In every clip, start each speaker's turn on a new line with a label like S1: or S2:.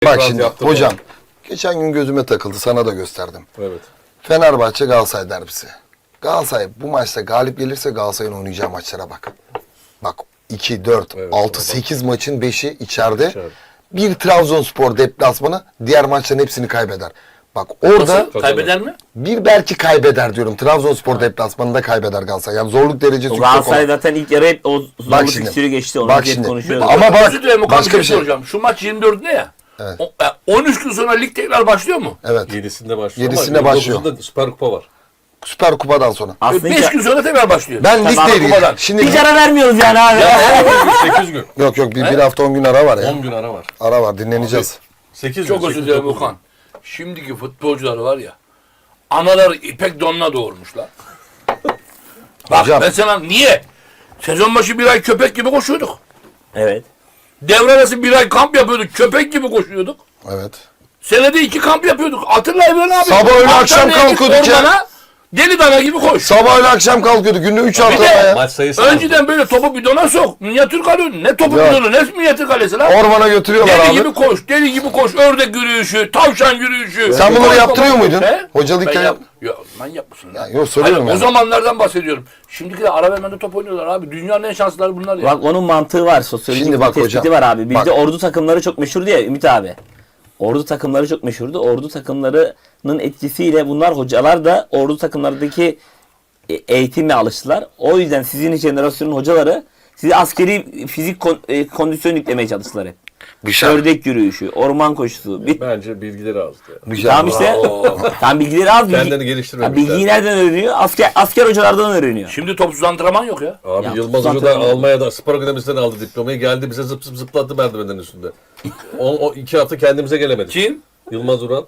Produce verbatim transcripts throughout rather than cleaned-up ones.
S1: Bak şimdi hocam, geçen gün gözüme takıldı, sana da gösterdim.
S2: Evet.
S1: Fenerbahçe Galatasaray derbisi. Galatasaray bu maçta galip gelirse Galatasaray'ın oynayacağı maçlara bak. Bak iki, dört,
S2: Evet,
S1: altı, sekiz maçın beşi içeride.
S2: İçeride.
S1: Bir Trabzonspor deplasmanı, diğer maçların hepsini kaybeder. Bak orada
S3: Nasıl? Kaybeder mi?
S1: bir belki kaybeder diyorum. Trabzonspor deplasmanında kaybeder Galatasaray. Yani zorluk derecesi yüksek
S4: Galatasaray
S1: olan.
S4: zaten ilk yarı hep o zorluk
S1: Bak şimdi,
S4: fikstürü geçti. Onu
S1: bak
S4: hep
S1: şimdi.
S4: konuşuyoruz.
S1: Ama bak,
S3: Özür dilerim,
S1: başka bir şey.
S3: soracağım. Şu maç yirmi dörtünde ya.
S1: Evet.
S3: O- e, on üç gün sonra lig tekrar başlıyor mu?
S1: Evet.
S2: Yedisinde başlıyor
S1: Yedisinde
S2: ama
S1: başlıyor.
S2: yirmi dokuzunda Süper Kupa var.
S1: Süper Kupadan sonra.
S4: Aslında
S3: beş
S4: hiç-
S3: gün sonra tekrar başlıyor.
S1: Ben lig
S4: Tamam,
S1: değil.
S3: Kupadan.
S1: Şimdi
S4: hiç ara vermiyoruz yani abi.
S2: sekiz gün.
S1: yok yok bir, bir hafta on gün ara var ya.
S2: on gün ara var.
S1: Ara var, dinleneceğiz.
S2: sekiz
S3: Çok
S2: gün.
S3: özür
S2: sekiz,
S3: dilerim
S2: dokuz gün.
S3: Okan. Şimdiki futbolcular var ya. Anaları ipek donla doğurmuşlar. Bak
S1: Hocam.
S3: ben sana niye? Sezon başı bir ay köpek gibi koşuyorduk.
S4: Evet.
S3: Devre arası bir ay kamp yapıyorduk. Köpek gibi koşuyorduk.
S1: Evet.
S3: Senede iki kamp yapıyorduk. Hatırla Evren abi.
S1: Sabah öğle akşam
S3: Antalya'ya git
S1: kalkıyorduk ya.
S3: ormana, deli dana gibi koş.
S1: Sabah öyle akşam kalkıyordu. Günde üç hafta
S3: de-
S1: ya.
S2: Maç sayısı
S3: Önceden böyle topu bidona sok. Minyatür kalıyor. Ne topu
S1: Ya.
S3: bidonu ne minyatür kalesi lan.
S1: Ormana götürüyorlar
S3: Deli
S1: abi.
S3: gibi koş. Deli gibi koş. Ördek yürüyüşü. Tavşan yürüyüşü.
S1: Sen bunları
S3: Koş,
S1: yaptırıyor
S3: koş,
S1: muydun?
S3: he?
S1: Hocalıyken
S3: Ben
S1: yap-
S3: Ya, manyak mısın ya?
S1: Ya, yok, soruyorum
S3: Hayır,
S1: yani.
S3: O zamanlardan bahsediyorum. Şimdiki de ara vermede top oynuyorlar abi. Dünyanın en şanslıları bunlar ya.
S4: Bak onun mantığı var. Sosyolojik
S1: Şimdi
S4: bir
S1: bak
S4: tespiti
S1: hocam,
S4: var abi. Bizde
S1: bak.
S4: ordu takımları çok meşhurdu ya Ümit abi. Ordu takımları çok meşhurdu. Ordu takımlarının etkisiyle bunlar hocalar da ordu takımlardaki e, eğitimle alıştılar. O yüzden sizin jenerasyonun hocaları size askeri fizik kon- e, kondisyon yüklemeye çalıştılar hep.
S1: Güzel.
S4: Ördek yürüyüşü, orman koşusu. Bir,
S2: Bence bilgileri azdı. Ya.
S1: Güzel.
S4: tamam işte.
S3: Bravo.
S4: Tam bilgileri az. Bilgi,
S2: Kendini geliştirmemişler.
S4: Ha, bilgiyi nereden öğreniyor? Asker, asker hocalardan öğreniyor.
S3: Şimdi topsuz antrenman yok ya.
S2: Abi
S4: Ya,
S2: Yılmaz
S4: zaten
S2: Hoca da
S4: öyle.
S2: Almanya'da spor akademisinden aldı diplomayı. Geldi bize zıp zıp zıplattı merdivenin üstünde. O, o iki hafta kendimize gelemedik.
S3: Kim?
S2: Yılmaz Ural.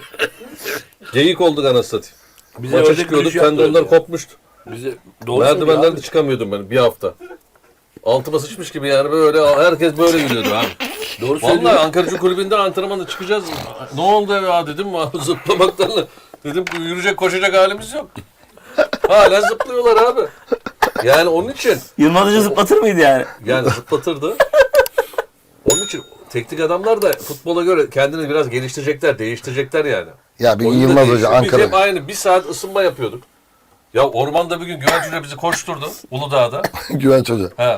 S2: Geyik olduk anasını satayım.
S3: Bize
S2: Maça
S3: ördek
S2: çıkıyorduk,
S3: yürüyüşü
S2: tendonlar
S3: yaptırdı.
S2: kopmuştu.
S3: Bize doğru söylüyor
S2: Merdivenden
S3: abi.
S2: de çıkamıyordum ben bir hafta. Altıma sıçmış gibi yani böyle herkes böyle yürüyordu abi.
S3: Doğru söylüyor.
S2: Vallahi Ankaracı Kulübü'nde antrenmana çıkacağız. Ne oldu ya dedim abi zıplamaktan. Dedim yürüyecek koşacak halimiz yok. Hala zıplıyorlar abi. Yani onun için
S4: Yılmaz Hoca zıplatır mıydı yani?
S2: yani zıplatırdı. Onun için teknik adamlar da futbola göre kendini biraz geliştirecekler, değiştirecekler yani.
S1: Ya bir
S2: Oyun da
S1: Yılmaz Hoca
S2: değişiyor. Biz hep
S1: Ankara.
S2: aynı bir saat ısınma yapıyorduk. Ya ormanda bir gün Güvenç Hoca bizi koşturdu Uludağ'da.
S1: Güvenç Hoca.
S2: He.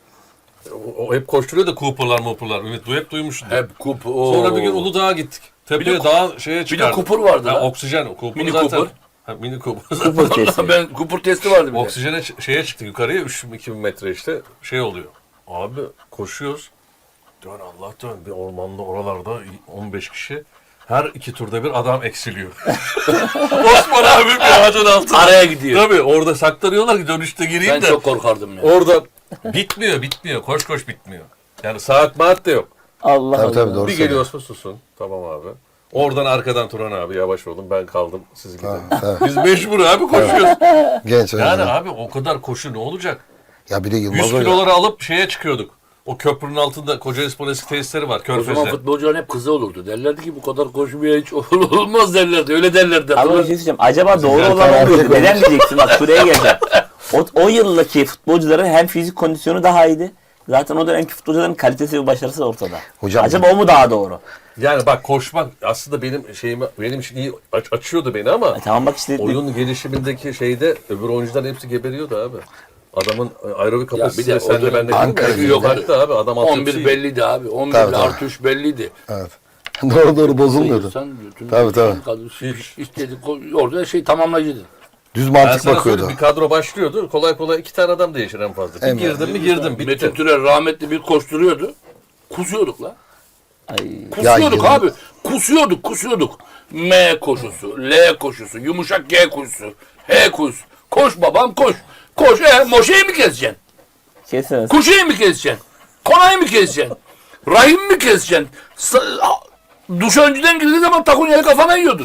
S2: O, o hep koşturuyor da Cooper'lar Cooper'lar. Ümit du hep duymuşsun.
S3: Hep kup. oo.
S2: Sonra bir gün Uludağ'a gittik. Tepeye
S3: Bir de-
S2: dağa şeye çıkardık.
S3: Cooper vardı
S2: Ha,
S3: lan.
S2: oksijen. O Cooper
S3: Mini
S2: zaten.
S3: Cooper.
S2: Ha, mini Cooper.
S4: Cooper testi.
S3: Ben Cooper testi vardı bir de.
S2: Oksijene ç- şeye çıktık yukarıya üç iki bin metre işte şey oluyor. Abi koşuyoruz. Dön Allah dön bir ormanda oralarda on beş kişi. Her iki turda bir adam eksiliyor. Osman abi bir ağacın altında.
S3: Araya gidiyor.
S2: Tabii orada saklanıyorlar ki dönüşte gireyim
S3: Ben
S2: de.
S3: çok korkardım ya.
S2: Orada bitmiyor bitmiyor. Koş koş bitmiyor. Yani saat maat de yok.
S4: Allah
S1: Tabii
S4: Allah.
S1: tabii doğru
S2: Bir
S1: söylüyor.
S2: geliyorsun susun. Tamam abi. Oradan arkadan Turan abi yavaş olun ben kaldım siz gidin.
S1: evet.
S2: Biz mecbur abi koşuyoruz.
S1: Genç Hoca.
S2: Yani abi o kadar koşu ne olacak?
S1: Ya bir de Yılmaz
S2: yüz
S1: Hoca.
S2: kiloları alıp şeye çıkıyorduk. O köprünün altında Kocaelispor eski tesisleri var
S3: O zaman
S2: Körfez'de.
S3: futbolcuların hep kızı olurdu. Derlerdi ki bu kadar koşmaya hiç olmaz derlerdi. Öyle derlerdi.
S4: Ama bir şey söyleyeceğim. Acaba doğru
S1: Zaten
S4: olan
S1: erkek
S4: olur.
S1: olmuş.
S4: Neden diyeceksin? Bak şuraya geleceğim. O, o yıldaki futbolcuların hem fizik kondisyonu daha iyiydi. Zaten o dönemki futbolcuların kalitesi ve başarısı da ortada.
S1: Hocam-
S4: Acaba o mu daha doğru?
S2: Yani bak koşmak aslında benim şeyimi benim için iyi aç- açıyordu beni ama
S4: E, tamam bak işte.
S2: oyun gelişimindeki şeyde öbür oyuncular hepsi geberiyordu abi. Adamın aerobik
S3: Ya
S2: kapasitesi
S3: bir de
S2: sen
S3: o
S2: de
S3: dönem
S2: bende
S1: Ankara
S2: gibi yok
S3: gücü-
S2: hatta abi adam
S3: on bir
S2: altyapısı iyi.
S3: belliydi abi. on bir
S1: Tabii,
S3: ile
S1: tabii.
S3: artı üç belliydi.
S1: Evet. doğru doğru bozulmuyordu.
S3: Sen bütün
S1: Tabii, tabii.
S3: Hiç. İstedi, orada şey tamamlayıcıydı.
S1: Düz
S2: Ben
S1: mantık
S2: sana
S1: bakıyordu.
S2: söyleyeyim, bir kadro başlıyordu. Kolay kolay iki tane adam değişir en fazla. Bir
S1: Hemen.
S2: girdim mi girdim bitti.
S3: Metin Türel rahmetli bir koşturuyordu. Kusuyorduk la.
S4: Ay,
S3: Kusuyorduk
S1: Ya,
S3: abi. Kusuyorduk, kusuyorduk. M koşusu, L koşusu, yumuşak G koşusu, H koşusu. Koş babam koş. Koş. E, Moşe'yi mi keseceksin?
S4: kesemez.
S3: Kuşe'yi mi keseceksin? Konayı mı keseceksin? Rahim mi keseceksin? Sa- a- duş önceden girdiği zaman takunyayı kafana yiyordun.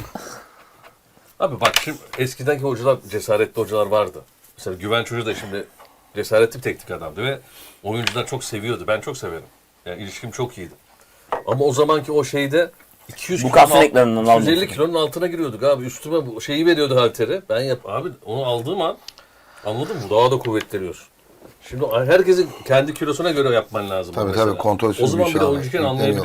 S2: Abi bak şimdi eskidenki hocalar cesaretli hocalar vardı. Mesela Güvenç Hoca da şimdi cesaretli bir teknik adamdı ve oyuncular çok seviyordu. Ben çok severim. Yani ilişkim çok iyiydi. Ama o zamanki o şeyde iki yüz
S4: Bu
S2: kilonun
S4: kasın
S2: alt-
S4: ekranından
S2: iki yüz elli
S4: almıyorsun.
S2: kilonun altına giriyorduk abi. Üstüme bu şeyi veriyordu halteri. Ben yap abi onu aldığım an anladın mı? Daha da kuvvetleniyorsun. Şimdi herkesin kendi kilosuna göre yapman lazım.
S1: Tabii,
S2: mesela.
S1: tabii, kontrolsüz
S2: O zaman
S1: bir
S2: bile
S1: şey abi.
S2: oyuncuyken
S1: Yükleniyorlar.
S2: anlayabiliyordu.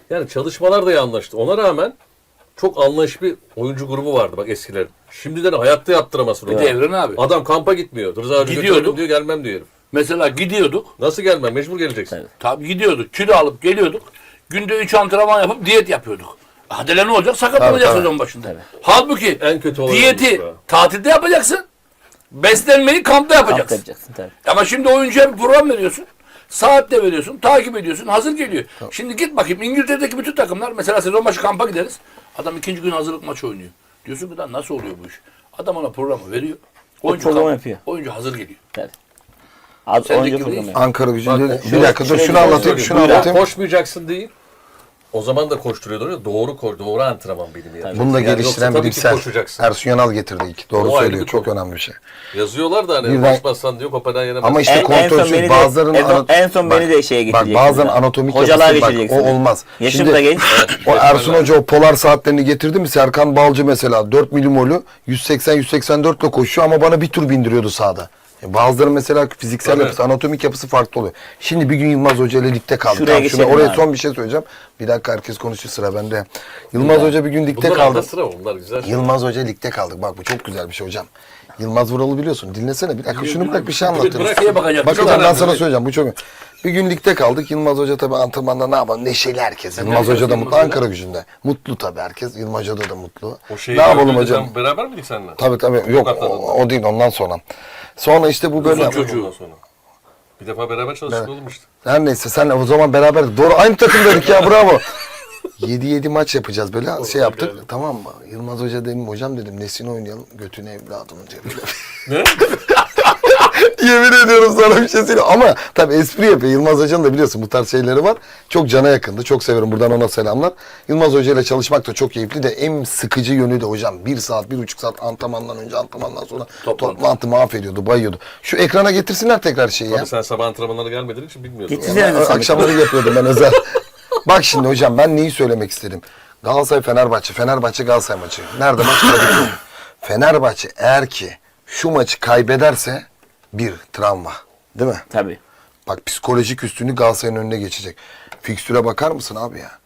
S2: Yani çalışmalar da iyi anlaştı. Ona rağmen çok anlayışlı bir oyuncu grubu vardı bak eskilerin. Şimdiden hayatta yaptıramazsın
S3: Bir
S2: onu.
S3: de Evren abi.
S2: Adam kampa gitmiyor. Rıza abi
S3: Gidiyorduk.
S2: götürelim diyor, gelmem diyor herif.
S3: Mesela gidiyorduk.
S2: Nasıl gelmem? Mecbur geleceksin.
S4: Evet.
S3: Tabii gidiyorduk. Kilo alıp geliyorduk. Günde üç antrenman yapıp diyet yapıyorduk. Hadi ne olacak? Sakatlanacak
S1: Tabii, tabii.
S3: sezon başında. Halbuki
S2: En kötü olan
S3: diyeti
S2: oymuş be.
S3: tatilde yapacaksın. Beslenmeyi kampta
S4: Kamp
S3: yapacaksın.
S4: yapacaksın tabii.
S3: Ama şimdi oyuncuya bir program veriyorsun. Saatte veriyorsun, takip ediyorsun, hazır geliyor. Şimdi git bakayım İngiltere'deki bütün takımlar mesela sezon başı kampa gideriz. Adam ikinci gün hazırlık maçı oynuyor. Diyorsun ki lan nasıl oluyor bu iş? Adam ona programı veriyor. Oyuncu
S4: programı
S3: kamp-
S4: yapıyor.
S3: Oyuncu hazır geliyor.
S4: Tabii. Az
S3: Sen de
S4: oyuncu
S3: gibi
S4: programı.
S3: değil.
S1: Ankara gücünde
S2: Bak,
S1: bir
S2: şöyle-
S1: dakika dur
S2: şöyle
S1: şunu
S2: bir şey
S1: anlatayım
S2: söyleyeyim.
S1: şunu
S2: Ya
S1: anlatayım.
S2: koşmayacaksın değil. O zaman da koşturuyordu ya. Doğru koş, doğru antrenman bilimi yani.
S1: Bunu da
S2: Yani
S1: geliştiren
S2: yoksa tabii ki
S1: bilimsel.
S2: koşacaksın.
S1: Ersun Yanal getirdi ilk. Doğru
S2: O ayrı
S1: söylüyor.
S2: bir
S1: Çok
S2: konu.
S1: önemli bir şey.
S2: Yazıyorlar da hani
S1: Birden-
S2: koşmazsan diyor Kopenhag'a yenemezsin.
S1: Ama işte
S4: En- en son
S1: kontrolsüz
S4: beni de-
S1: bazılarının
S4: en son-
S1: ana-
S4: en son beni de şeye
S1: Bak
S4: getireceksin
S1: bazen
S4: ya.
S1: anatomik
S4: Hocalığa
S1: yapısı bak
S4: getireceksin.
S1: o olmaz.
S4: Yaşım da genç.
S1: O Ersun Hoca o polar saatlerini getirdi mi Serkan Balcı mesela dört milimolu yüz seksen yüz seksen dört ile koşuyor ama bana bir tur bindiriyordu sahada. E Bazıları mesela fiziksel
S2: Tabii.
S1: yapısı, anatomik yapısı farklı oluyor. Şimdi bir gün Yılmaz Hoca ile ligde kaldı.
S4: Şuraya
S1: Tamam, şuna,
S4: geçelim
S1: oraya
S4: abi.
S1: son bir şey söyleyeceğim. Bir dakika herkes konuşuyor sıra bende. Yılmaz Hoca bir gün ligde
S2: Bunlar
S1: kaldı.
S2: arada sıra bunlar güzel. şey.
S1: Yılmaz Hoca ligde kaldık. Bak bu çok güzel bir şey hocam. Yılmaz Vural'ı biliyorsun. Dinlesene bir dakika. Şunu bırak bir şey anlatıyorum.
S3: Bırak şeye bakacak.
S1: Bakacağım
S3: Çok
S1: ben
S3: önemli.
S1: sana söyleyeceğim. Bu çok Bir gün ligde kaldık. Yılmaz Hoca tabii antrenmanda ne yapalım? Neşeli herkes. Yılmaz
S3: herkes
S1: Hoca da
S3: Yılmaz
S1: mutlu.
S3: Hoca.
S1: Ankara gücünde. Mutlu tabii herkes. Yılmaz Hoca da mutlu.
S2: O şeyi
S1: Ne yapalım
S2: gördüğünde
S1: hocam?
S2: sen beraber miydik seninle?
S1: Tabii tabii. Yok o, o değil ondan sonra. Sonra işte bu böyle.
S3: Uzun çocuğu.
S2: Ondan sonra. Bir defa beraber çalıştık oğlum işte.
S1: Her neyse sen o zaman beraber doğru aynı takımdaydık ya bravo. yedi yedi maç yapacağız böyle şey yaptık tamam mı? Yılmaz Hoca dedim hocam dedim nesini oynayalım götüne evladımın cebine.
S2: Ne?
S1: Yemin ediyorum sana bir şey söyleyeyim ama tabii espri yapıyor. Yılmaz Hoca'nın da biliyorsun bu tarz şeyleri var. Çok cana yakındı. Çok severim buradan ona selamlar. Yılmaz Hoca ile çalışmak da çok keyifli de en sıkıcı yönü de hocam. Bir saat, bir buçuk saat antrenmandan önce antrenmandan sonra
S3: Toplantı.
S1: toplantı mahvediyordu, bayıyordu. Şu ekrana getirsinler tekrar şeyi ya.
S2: Tabii sen sabah antrenmanlara gelmediğin için bilmiyorsun.
S4: Getirsene de
S1: Ö-
S4: sen.
S1: Akşamları yapıyordum ben özel. Bak şimdi hocam ben neyi söylemek istedim? Galatasaray Fenerbahçe, Fenerbahçe Galatasaray maçı. Nerede maç? Kadıköy. Fenerbahçe eğer ki şu maçı kaybederse bir travma. Değil mi?
S4: Tabii.
S1: Bak psikolojik üstünlük Galatasaray'ın önüne geçecek. Fikstüre bakar mısın abi ya?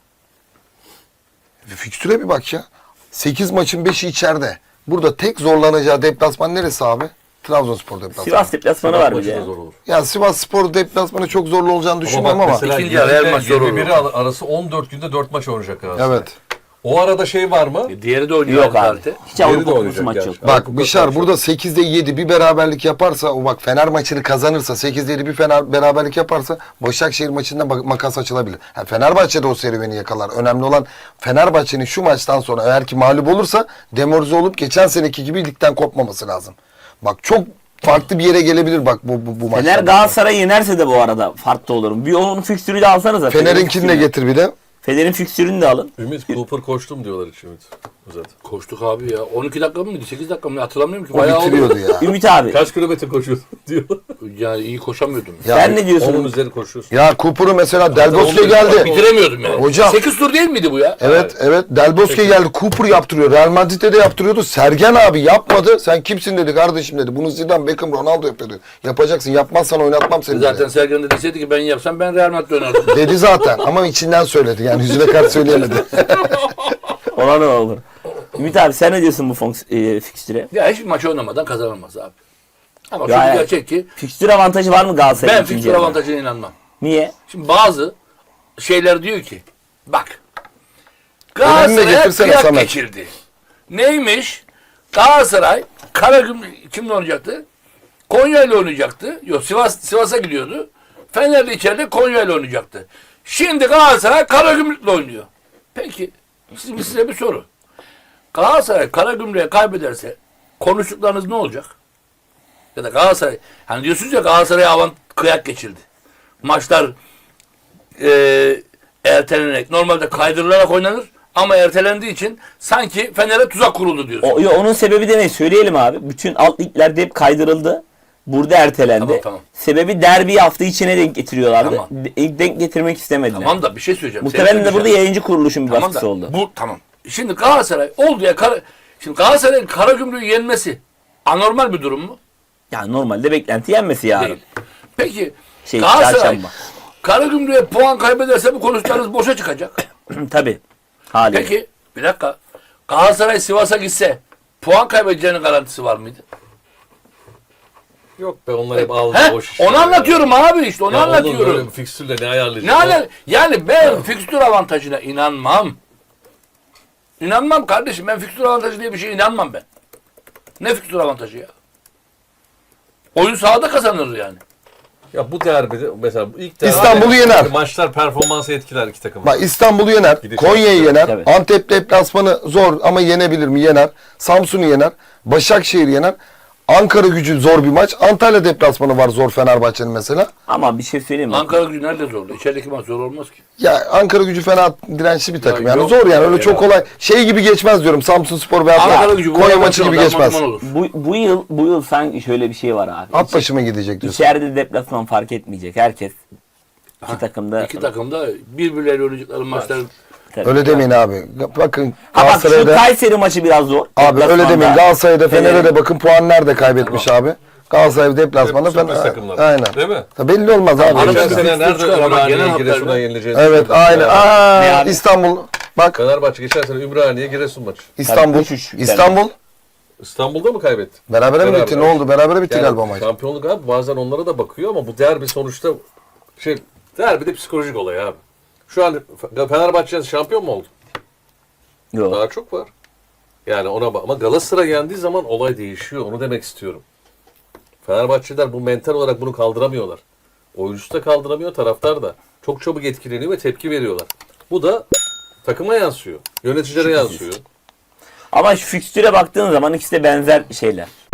S1: Fikstüre bir bak ya. sekiz maçın beşi içeride. Burada tek zorlanacağı deplasman neresi abi? Trabzonspor deplasmanı.
S4: Sivas deplasmanı var bir
S2: Maçı
S4: de.
S2: da zor olur.
S1: Ya Sivas Spor deplasmanı çok zorlu olacağını düşünmüyorum ama.
S2: mesela
S3: İkinci yarı her maç zor olur.
S2: yirmi biri arası on dört günde dört maç oynayacak Galatasaray.
S1: Evet.
S2: O arada şey var mı?
S3: E, Diğeri de oynuyor.
S4: Yok abi.
S3: Alcarte.
S4: Hiç
S2: Diğeri de
S4: Avrupa Kupası
S2: oynayacak
S4: maç
S2: gerçi.
S4: yok.
S1: Bak
S2: Avrupa
S1: Bişar
S2: Kupası.
S1: burada sekizde yedi bir beraberlik yaparsa o bak Fener maçını kazanırsa sekizde yedi bir Fener beraberlik yaparsa Başakşehir maçında bak- makas açılabilir. Ha, Fenerbahçe de o serüveni yakalar. Önemli olan Fenerbahçe'nin şu maçtan sonra eğer ki mağlup olursa demoralize olup geçen seneki gibi ligden kopmaması lazım. Bak çok farklı bir yere gelebilir bak bu bu, bu
S4: Fener
S1: maçtan.
S4: Galatasaray'ı yenerse de bu arada farklı olurum. Bir onun fikstürü de alsanıza.
S1: Fener'inkini de getir bir de.
S4: Fener'in fikstürünü de alın.
S2: Ümit Cooper koştum diyorlar hiç Ümit. Zaten.
S3: Koştuk abi ya. on iki dakika mıydı? sekiz dakika mı? Hatırlamıyorum ki.
S1: O
S3: Bayağı oldu.
S1: bitiriyordu ya.
S4: Ümit abi.
S2: Kaç kilometre koşuyorsun diyorlar.
S3: Yani iyi koşamıyordum.
S1: Ya,
S4: Sen ne diyorsun?
S2: Onun üzeri koşuyorsun.
S1: ya Cooper'u mesela Del Bosque
S2: on-
S1: geldi.
S3: Bitiremiyordum yani.
S1: Hocam.
S3: sekiz tur değil miydi bu ya?
S1: Evet evet Del Bosque geldi. Cooper yaptırıyor. Real Madrid'de de yaptırıyordu. Sergen abi yapmadı. Sen kimsin dedi kardeşim dedi. Bunu Zidane, Beckham, Ronaldo yapıyordu. Yapacaksın. Yapmazsan oynatmam seni
S3: Zaten
S1: dedi.
S3: Sergen de deseydi ki ben yapsam ben Real Madrid oynardım.
S1: Dedi zaten ama içinden söyledi. Yani yüzüne karşı söyleyemedi.
S4: Ona ne olur. Ümit abi sen ne diyorsun bu fonks- e, fikstüre?
S3: Ya hiçbir maç oynamadan kazanılmaz abi. Ama şu
S4: Yani-
S3: gerçek ki
S4: Fikstür avantajı var mı Galatasaray'ın?
S3: ben
S4: ikinci
S3: fikstür
S4: yarıda?
S3: avantajına inanmam.
S4: Niye?
S3: Şimdi bazı şeyler diyor ki bak
S1: Önemli
S3: Galatasaray'a
S1: getirsene
S3: kıyak
S1: Samet.
S3: geçirdi. Neymiş? Galatasaray Karagümrük kimle oynayacaktı? Konya ile oynayacaktı. Yok Sivas Sivas'a gidiyordu. Fener'de içeride Konya ile oynayacaktı. Şimdi Galatasaray Karagümrük'le oynuyor. Peki size, size bir soru. Galatasaray Karagümrük'e kaybederse konuştuklarınız ne olacak? Ya da Galatasaray hani diyorsunuz ya Galatasaray'a avant kıyak geçildi. Maçlar e, ertelenerek normalde kaydırılarak oynanır ama ertelendiği için sanki Fener'e tuzak kuruldu diyorsun.
S4: O, yo, onun sebebi de ne? Söyleyelim abi. Bütün alt liglerde hep kaydırıldı. Burada ertelendi.
S3: Tamam, tamam.
S4: Sebebi derbi hafta içine denk getiriyorlardı.
S3: Tamam.
S4: De- denk getirmek istemediler.
S3: Tamam da bir şey söyleyeceğim.
S4: Muhtemelen
S3: Seni
S4: de burada
S3: söyleyeceğim.
S4: yayıncı kuruluşun bir
S3: Tamam
S4: baskısı
S3: da
S4: oldu.
S3: bu tamam. Şimdi Galatasaray oldu ya Kara, şimdi Galatasaray'ın Karagümrük'ü yenmesi anormal bir durum mu?
S4: Yani normalde beklenti yenmesi yarın.
S3: Değil. Peki
S4: Şey,
S3: Galatasaray
S4: çarşamba.
S3: Karagümrük'e puan kaybederse bu konuştuklarınız boşa çıkacak.
S4: Tabii. Haliyle.
S3: Peki bir dakika. Galatasaray Sivas'a gitse puan kaybedeceğinin garantisi var mıydı?
S2: Yok be onlar hep aldı
S3: He?
S2: boş işler
S3: Onu
S2: ya.
S3: anlatıyorum abi işte onu
S2: Ya oğlum böyle
S3: anlatıyorum.
S2: bir fikstürle ne ayarlayacak?
S3: Ne ala- yani ben fikstür avantajına inanmam. İnanmam kardeşim. Ben fikstür avantajı diye bir şeye inanmam ben. Ne fikstür avantajı ya? Oyun sahada kazanır yani.
S2: Ya bu derbide mesela bu ilk derbi
S1: İstanbul'u yener.
S2: Maçlar performansı etkiler iki takım.
S1: Bak İstanbul'u yener,
S2: Gidecek.
S1: Konya'yı yener,
S4: Tabii.
S1: Antep deplasmanı zor ama yenebilir mi? Yener. Samsun'u yener, Başakşehir yener. Ankara Gücü zor bir maç. Antalya deplasmanı var zor Fenerbahçe'nin mesela.
S4: Ama bir şey söyleyeyim mi?
S3: Ankara Gücü nerede zorlu? İçerideki maç zor olmaz ki.
S1: Ya Ankara Gücü fena dirençli bir takım.
S3: Ya
S1: yani
S3: yok
S1: zor yani
S3: ya,
S1: öyle
S3: ya.
S1: çok kolay. Şey gibi geçmez diyorum. Samsunspor veya
S3: Ankara Gücü
S1: Konya maçı gibi
S3: darman
S1: geçmez.
S3: duman olur.
S4: Bu, bu yıl bu yıl sanki şöyle bir şey var abi.
S1: At başıma gidecek diyorsun.
S4: İçeride deplasman fark etmeyecek. Herkes iki takımda.
S3: İki takım da birbirleriyle oynayacakları maçlar.
S4: Tabii.
S1: Öyle demeyin abi. Bakın
S4: Ha bak şu
S1: Galatasaray'da
S4: Kayseri maçı biraz zor.
S1: abi öyle
S4: Deplasmanda.
S1: demeyin. Galatasaray'da Fener'e
S4: Fener'in-
S1: de bakın puan nerede kaybetmiş abi. Galatasaray deplasmanı
S2: Hep sürpriz
S1: Fener.
S2: takımlar.
S1: Aynen.
S2: Değil mi?
S1: Ya belli olmaz abi.
S3: Arada
S2: Geçen
S3: bir
S2: sene
S3: fikstür
S2: nerede
S3: çıkar ama genel
S2: Ümraniye
S3: hatlarında-
S2: Giresun'a yenileceğini
S1: Evet
S2: söyledik
S1: aynen.
S2: ya.
S1: Aa,
S4: Ne abi?
S1: İstanbul. Bak
S2: Fenerbahçe geçen sene Ümraniye Giresun maçı.
S1: İstanbul.
S4: üç üç
S1: İstanbul.
S2: İstanbul'da mı kaybetti?
S1: Berabere mi
S2: Beraber.
S1: bitti? Ne oldu? Berabere bitti
S2: Yani
S1: galiba maç.
S2: şampiyonluk abi bazen onlara da bakıyor ama bu derbi sonuçta şey derbi de psikolojik olay abi. Şu an Fenerbahçe şampiyon mu oldu?
S4: Yok.
S2: Daha çok var. Yani ona bak ama Galatasaray yendiği zaman olay değişiyor. Onu demek istiyorum. Fenerbahçeliler bu mental olarak bunu kaldıramıyorlar. Oyuncusu da kaldıramıyor, taraftar da. Çok çabuk etkileniyor ve tepki veriyorlar. Bu da takıma yansıyor. Yöneticilere yansıyor.
S4: Ama şu fikstüre baktığın zaman ikisi de benzer şeyler.